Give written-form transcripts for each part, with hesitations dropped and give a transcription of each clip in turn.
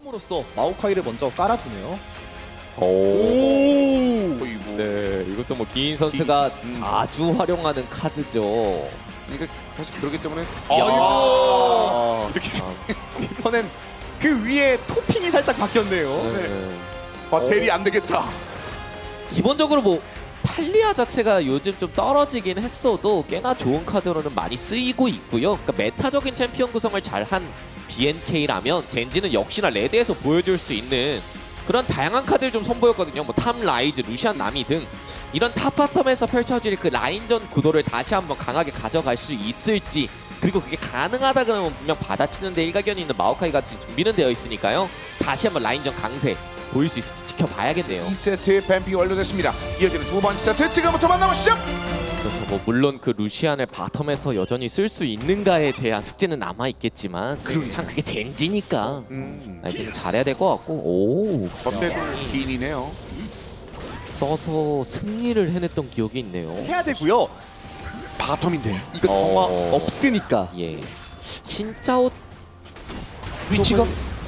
홈으로서 마오카이를 먼저 깔아주네요. 어이구. 네, 이것도 뭐 기인 선수가 자주 활용하는 카드죠. 그러니까 사실 그렇기 때문에 이렇게 이번엔 그 위에 토핑이 살짝 바뀌었네요. 네. 바텔이 안 되겠다. 기본적으로 뭐 탈리아 자체가 요즘 좀 떨어지긴 했어도 꽤나 좋은 카드로는 많이 쓰이고 있고요. 그러니까 메타적인 챔피언 구성을 잘한 BNK라면 젠지는 역시나 레드에서 보여줄 수 있는 그런 다양한 카드를 좀 선보였거든요. 뭐 탐, 라이즈, 루시안, 나미 등 이런 탑바텀에서 펼쳐질 그 라인전 구도를 다시 한번 강하게 가져갈 수 있을지, 그리고 그게 가능하다 그러면 분명 받아치는데 일가견이 있는 마오카이 같은 준비는 되어 있으니까요. 다시 한번 라인전 강세 보일 수 있을지 지켜봐야겠네요. 2세트 뱀픽이 완료됐습니다. 이어지는 두 번째 세트 지금부터 만나보시죠. 그래서 뭐 물론 그 루시안을 바텀에서 여전히 쓸 수 있는가에 대한 숙제는 남아 있겠지만 참 그게 젠지니까 이제 좀 잘해야 될 것 같고. 오, 어때도 기인이네요. 써서 승리를 해냈던 기억이 있네요. 해야 되고요. 바텀인데 이거 정화 없으니까. 예, 신짜오 위치가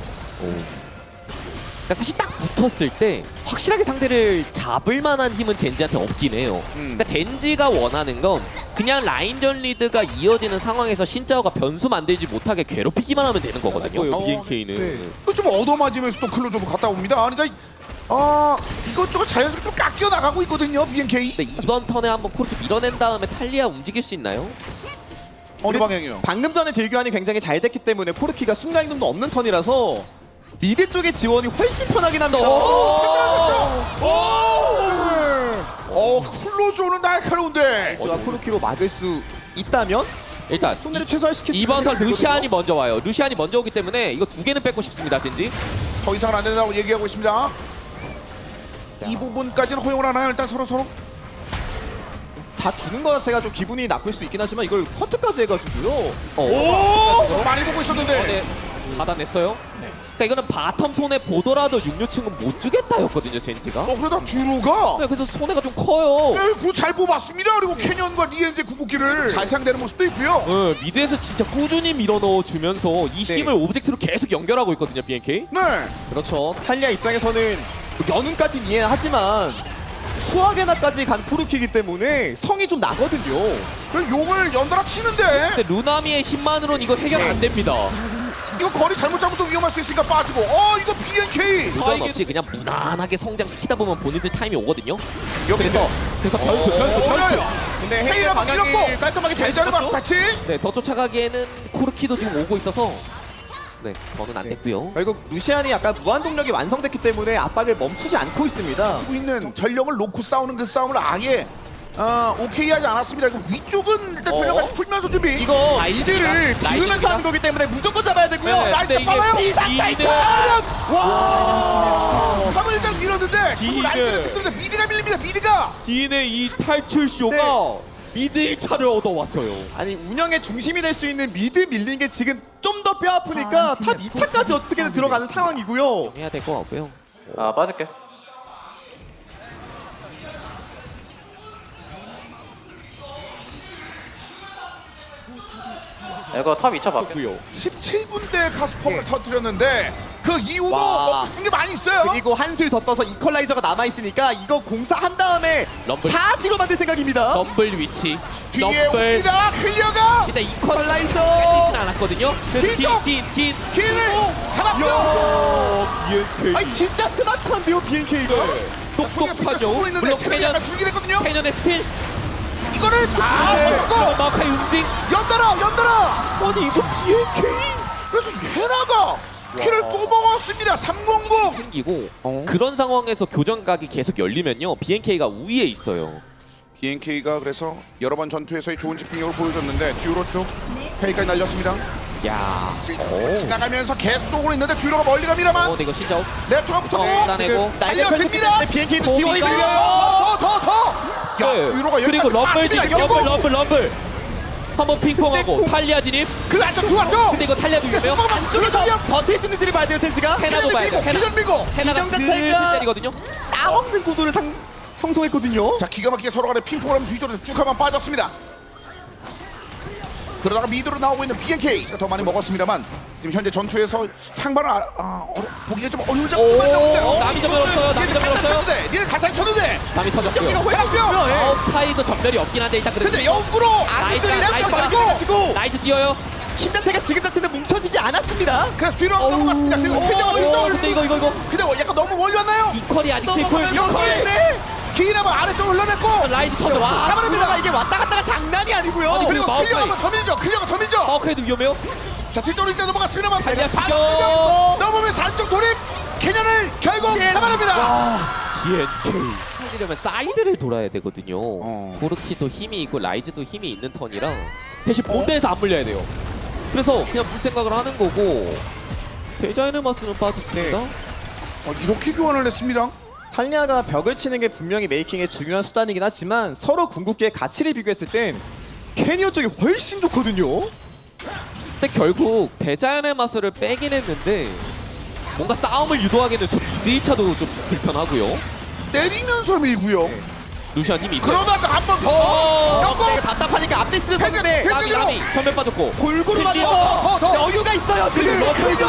그러니까 사실 딱 붙었을 때 확실하게 상대를 잡을 만한 힘은 젠지한테 없긴 해요. 그러니까 젠지가 원하는 건 그냥 라인전 리드가 이어지는 상황에서 신짜오가 변수 만들지 못하게 괴롭히기만 하면 되는 거거든요. BNK는. 네. 좀 얻어맞으면서 또 클로 좀 갔다 옵니다. 그러니까 이것저것 자연스럽게 좀 깎여 나가고 있거든요. BNK. 근데 이번 턴에 한번 코르키 밀어낸 다음에 탈리아 움직일 수 있나요? 어느 방향이요? 방금 전에 딜교환이 굉장히 잘 됐기 때문에 코르키가 순간 이동도 없는 턴이라서 미드 쪽의 지원이 훨씬 편하긴 합니다. 클로저는 날카로운데. 제가 코르키로 막을 수 있다면 일단 손해를 최소화시킬 수 이번 턴 있는 루시안이 먼저 와요. 루시안이 먼저 오기 때문에 이거 두 개는 뺏고 싶습니다, 젠지. 더 이상은 안 된다고 얘기하고 있습니다. 이 부분까지는 허용을 하나요? 일단 서로 다 주는 거 자체가 좀 기분이 나쁠 수 있긴 하지만 이걸 커트까지 해가지고요. 많이 보고 있었는데. 네, 받아냈어요. 그러니까 이거는 바텀 손에 보더라도 6류층은 못 주겠다였거든요, 젠지가. 그러다 듀로가 네, 그래서 손해가 좀 커요. 그거 잘 뽑았습니다. 그리고 캐년과 리엔제 궁극기를 잘 사용되는 모습도 있고요. 네, 미드에서 진짜 꾸준히 밀어넣어주면서 이 네. 힘을 오브젝트로 계속 연결하고 있거든요, BNK. 네. 그렇죠. 탈리아 입장에서는 연운까지는 이해하지만 수학에나까지 간 코르키이기 때문에 성이 좀 나거든요. 그래서 용을 연달아 치는데 근데 루나미의 힘만으로는 이거 해결 안 됩니다. 이거 거리 잘못 잡으면 위험할 수 있으니까 빠지고 이거 BNK 무전 없이 그냥 무난하게 성장시키다 보면 본인들 타임이 오거든요. 여기 그래서 변수. 근데 헤이가 헤이의 막 방향이 밀었고 깔끔하게 잘 대자를 잡았죠. 막 같이 네, 더 쫓아가기에는 코르키도 지금 오고 있어서 네, 저는 안 됐고요. 결국 루시안이 약간 무한 동력이 완성됐기 때문에 압박을 멈추지 않고 있습니다. 하고 있는 전력을 놓고 싸우는 그 싸움을 아예 오케이 하지 않았습니다. 이거 위쪽은 일단 전력을 풀면서 준비. 이거 라이즈가, 이들을 비우면서 라이즈가. 하는 거기 때문에 무조건 잡아야 되고요. 네, 라이트 근데 이게 빨라요. 기인은 와. 한번 일단 밀었는데 기인은. 라이트를 흔들는데 미드가 밀립니다. 미드가 기인의 이 탈출 쇼가 네. 미드 1차를 얻어왔어요. 아니 운영의 중심이 될 수 있는 미드 밀린 게 지금 좀 더 뼈 아프니까 탑 2차까지 어떻게든 들어가는 상황이고요. 해야 될 것 같고요. 빠질게. 이거 탑 2차 바뀌어. 17분 때 가스펌을 터뜨렸는데 그 이후도 와. 없는 게 많이 있어요. 그리고 한술 더 떠서 이퀄라이저가 남아있으니까 이거 공사한 다음에 럼블. 4D로 만들 생각입니다. 럼블 위치. 뒤에 럼블. 옵니다. 클리어가 일단 이퀄라이저 이퀄라이저. 뺏기진 않았거든요. 그래서 뒤쪽. 긴. 길을 잡았고요. BNK. 아니 진짜 스마트한데요 BNK가. 똑똑하죠. 있는데 물론 체력이 캐년, 약간 줄긴 했거든요. 캐년의 스틸. 이거를 잡고 마카이 움직. 연달아 아니 이거 BNK. 그래서 헤나가 키를 또 먹었습니다. 300 생기고 그런 상황에서 교전각이 계속 열리면요 BNK가 우위에 있어요. BNK가 그래서 여러 번 전투에서의 좋은 집중력을 보여줬는데 듀로 쪽 페이까지 날렸습니다. 야, 지나가면서 계속 쏘고 있는데 듀로가 멀리 갑니다만 근데 이거 진짜 랩터가 붙었고 따내고 달려듭니다. BNK도 도미가. 기원이 밀려요. 야 듀로가 여기 그리고 럼블 한번 핑퐁하고 탈리아 진입. 그 안쪽 들어왔죠. 근데 이거 탈리아도 위험해요. 안쪽에서 버틸 수 있는지를 봐야 돼요 젠지가. 헤나도 봐야 돼요. 헤나. 기전 밀고 헤나가 기정 슬슬 자체가- 때리거든요. 싸먹는 구도를 형성했거든요. 자 기가 막히게 서로 간에 핑퐁을 하면 뒤쪽으로 쭉 한번 빠졌습니다. 그러다가 미드로 나오고 있는 BNK가 더 많이 먹었습니다만 지금 현재 전투에서 향방을 보기가 좀 어려운 오, 장면인데 남이 전멸 없어요. 남이 전멸 없어요. 니네 가차 쳤는데 담이 터졌고요. 이거 회랑뼈 아웃타이도 전멸이 없긴 한데 일단 그래도 근데 영구로 라이즈가 가지고 라이즈 뛰어요. 힘 자체가 지금 자체는 뭉쳐지지 않았습니다. 그래서 뒤로 한번 넘어갔습니다. 그리고 오, 근데 이거 근데 약간 너무 멀리 왔나요? 이퀄이 아직 이퀄 이퀄인데 긴 한번 아래쪽으로 흘러냈고 라이즈 터졌고. 와, 잡아냅니다. 이게 왔다 갔다가 장난이 아니고요. 아니, 그리고 마우카이. 클리어가 한번 더 밀죠. 클리어가 더 밀죠. 마우카이도 위험해요. 자 뒤쪽으로 일단 넘어갔습니다만 달려 반대쪽 죽여. 넘으면서 안쪽 돌입 캐년을 결국 잡아냅니다. 살리려면 사이드를 돌아야 되거든요. 어. 고르키도 힘이 있고 라이즈도 힘이 있는 턴이라 대신 본대에서 안 물려야 돼요. 그래서 그냥 물 생각을 하는 거고 데자이너마스는 빠졌습니다. 이렇게 교환을 했습니다. 탈리아가 벽을 치는 게 분명히 메이킹의 중요한 수단이긴 하지만 서로 궁극기의 가치를 비교했을 땐 캐니어 쪽이 훨씬 좋거든요. 근데 결국 데자이너마스를 빼긴 했는데 뭔가 싸움을 유도하기는 저 미드 1차도 좀 불편하고요. 때리면서 밀고요. 루시안 힘이 있어요. 그러다가 한 번 더. 어, 되게 답답하니까 앞에 쓰는 건데 라미 라미 전면 빠졌고 골고루 딜 맞아서 더. 여유가 있어요. 그리고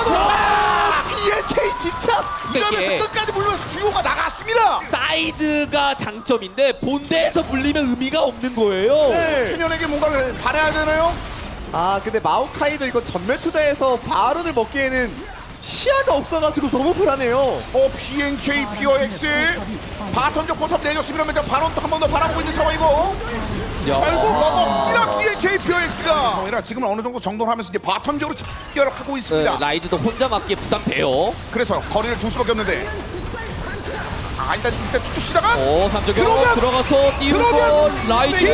BNK 진짜 이게 이러면서 끝까지 물면서 주요가 나갔습니다. 사이드가 장점인데 본대에서 물리면 의미가 없는 거예요. 네. 캐년에게 뭔가를 바라야 되나요? 아 근데 마오카이도 이거 전멸 투자해서 바론을 먹기에는 시야가 없어가지고 너무 불안해요. BNK POX 바텀적 포탑 내줬습니다만 바론 또 한 번 더 바라보고 있는 상황이고 결국 먹었습니다. BNK POX가 지금은 어느 정도 정돈하면서 이제 바텀적으로 집결하고 있습니다. 네, 라이즈도 혼자 맞기에 부담돼요. 그래서 거리를 둘 수밖에 없는데 일단 툭툭 치다가 오, 3적으로 그러면- 들어가서 띄우고 그러면 라이즈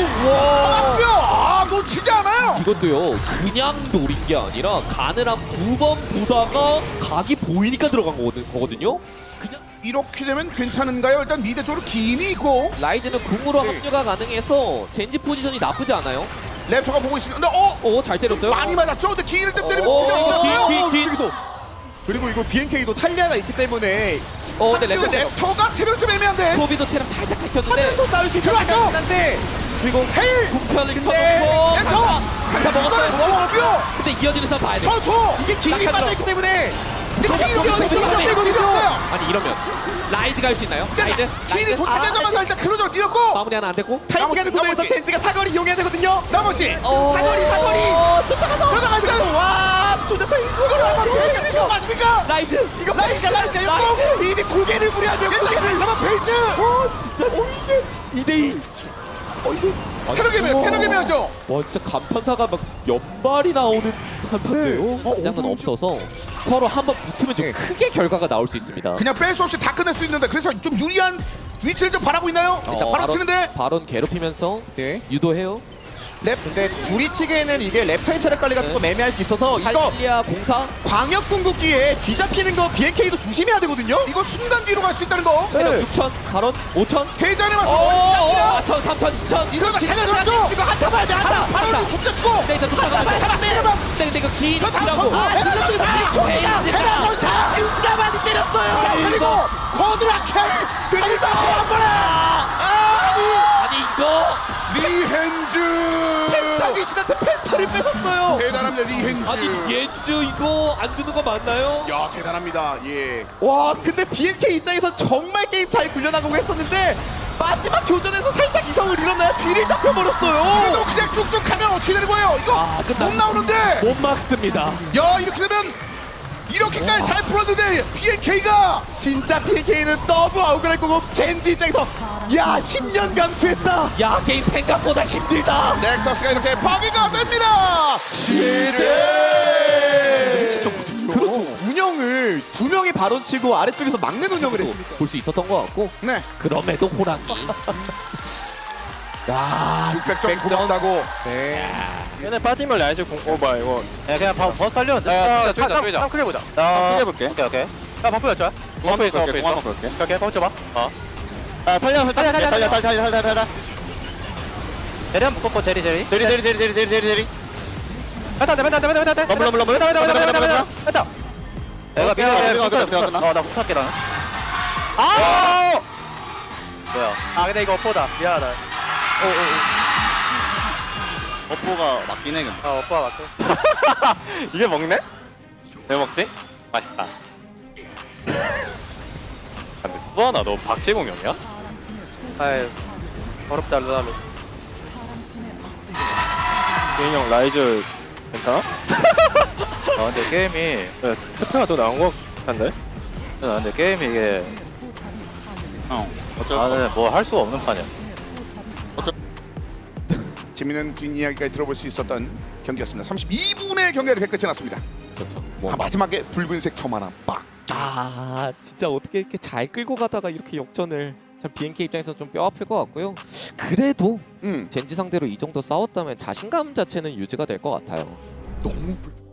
와 놓치지 않아요. 이것도요 그냥 노린 게 아니라 간을 한 2번 보다가 각이 보이니까 들어간 거거든요. 그냥 이렇게 되면 괜찮은가요? 일단 미드 쪽으로 긴이 있고 라이즈는 궁으로 합류가 가능해서 젠지 포지션이 나쁘지 않아요. 랩터가 보고 있습니다. 근데 오, 잘 때렸어요. 많이 맞았죠? 근데 긴을 좀 때리면 오, 그냥 긴. 여기서 그리고 이거 BNK도 탈리아가 있기 때문에 근데 근데 랩터가 체력 좀 애매한데 소비도 체력 살짝 긁혔는데 하면서 싸울 수 있는 들어왔죠? 생각이긴 한데 그리고 헤일! 궁편을 근데 쳐놓고 랩터! 강타 먹었어요. 먹었고요. 근데 이어지는 싸움 봐야 돼. 서초! 이게 길이 약하죠. 빠져있기 때문에 근데 긴이 소비, 소비, 소비. 때리거든요. 아니 이러면 라이즈가 할 수 있나요? 라이즈? 긴이 도착하자마자 일단 클로저를 밀었고 마무리 하나 안 됐고 타이밍하는 구도에서 나머지. 젠지가 사거리 이용해야 되거든요. 나머지 사거리 쫓아가서 그러다가 일단 와 조잡한 이거를 한번 보니까 지금 맞습니까? 라이즈 이거 라이즈가 이미 고개를 부려야죠. 일단 잡아 페이스! 진짜 2대2 체력이 매하죠? 와 진짜 간판사가 막 연발이 나오는 간판인데요. 장은 없어서 서로 한번 붙으면 좀 네. 크게 결과가 나올 수 있습니다. 그냥 뺄 수 없이 다 끝낼 수 있는데 그래서 좀 유리한 위치를 좀 바라고 있나요? 일단 바로 치는데 바론 괴롭히면서 네. 유도해요. 랩 근데 둘이 치기에는 이게 랩타임 체력 관리가 조금 애매할 수 있어서 이거 탈리아 공사 광역 궁극기에 뒤잡히는 거 BNK도 조심해야 되거든요. 이거 순간 뒤로 갈 수 있다는 거 체력 네. 6천 바론 5천 대전에 맞서 4천 3천 2천 이거 다 살려줬죠? 이거 한타 봐야 돼 한타. 바로 독자치고 근데 이제 쫓아가면 잡았어요. 근데 이거 긴 저 다음 기라고 아 대전 쪽에서 헤이즈가 진짜 많이 때렸어요. 그리고 버드라켈 그리고 한 번에 아니 이거 리헨즈 펜타귀신한테 펜타를 뺏었어요. 대단합니다 리헨즈 아니 예주 이거 안 주는 거 맞나요? 야 대단합니다 예 와 근데 BNK 입장에서 정말 게임 잘 굴려나가고 했었는데 마지막 교전에서 살짝 이성을 잃었나요? 뒤를 잡혀버렸어요. 그래도 그냥 쭉쭉 가면 어떻게 되는 거예요 이거 끝났- 못 나오는데 못 막습니다. 야 이렇게 되면 이렇게까지 잘 풀었는데 BNK가 진짜 BNK는 너무 억울할 거고 젠지 입장에서 야 10년 감수했다. 야 게임 생각보다 힘들다. 넥서스가 이렇게 파괴가 됩니다 시대 그렇죠. 운영을 두 명이 바로 치고 아래쪽에서 막는 운영을 했습니다. 볼 수 있었던 것 같고 네 그럼에도 호랑이. 야 600점 고맙다고 네. 얘네 빠지면 라이즈 뭐야 이거 야 그냥 버스 살려. 야 쪼이자 쪼이자. 한 클리어 보자 야 볼게 오케이 오케이. 야 버프 였죠? 공항 있어 볼게, 공항 볼게. 오케이 버프 줘봐 아 달려 달려. 제리 한번 뽑고 제리. 제리 뺐다 러블. 뺐다 내가 미안해, 끝나. 나 붙을게 나는 아 뭐야 아 근데 이거 어포다 미안하다 업보가 맞긴 해 근데. 어포가 맞고 이게 먹네? 왜 먹지? 맛있다. 근데 수아나 너 박시공형이야? 아유 어렵다 루나루. 개인형 라이즈 괜찮아? 근데 게임이 스페가 더 나은 것 같은데? 근데 게임이 이게 나는 뭐 할 수가 없는 판이야. 재미있는 뒷이야기까지 들어볼 수 있었던 경기였습니다. 32분의 경기가 이렇게 끝이 났습니다. 그렇죠. 마지막에 붉은색 점 하나 빡. 아 진짜 어떻게 이렇게 잘 끌고 가다가 이렇게 역전을 참 BNK 입장에서 좀 뼈 아플 것 같고요. 그래도 젠지 상대로 이 정도 싸웠다면 자신감 자체는 유지가 될 것 같아요. 너무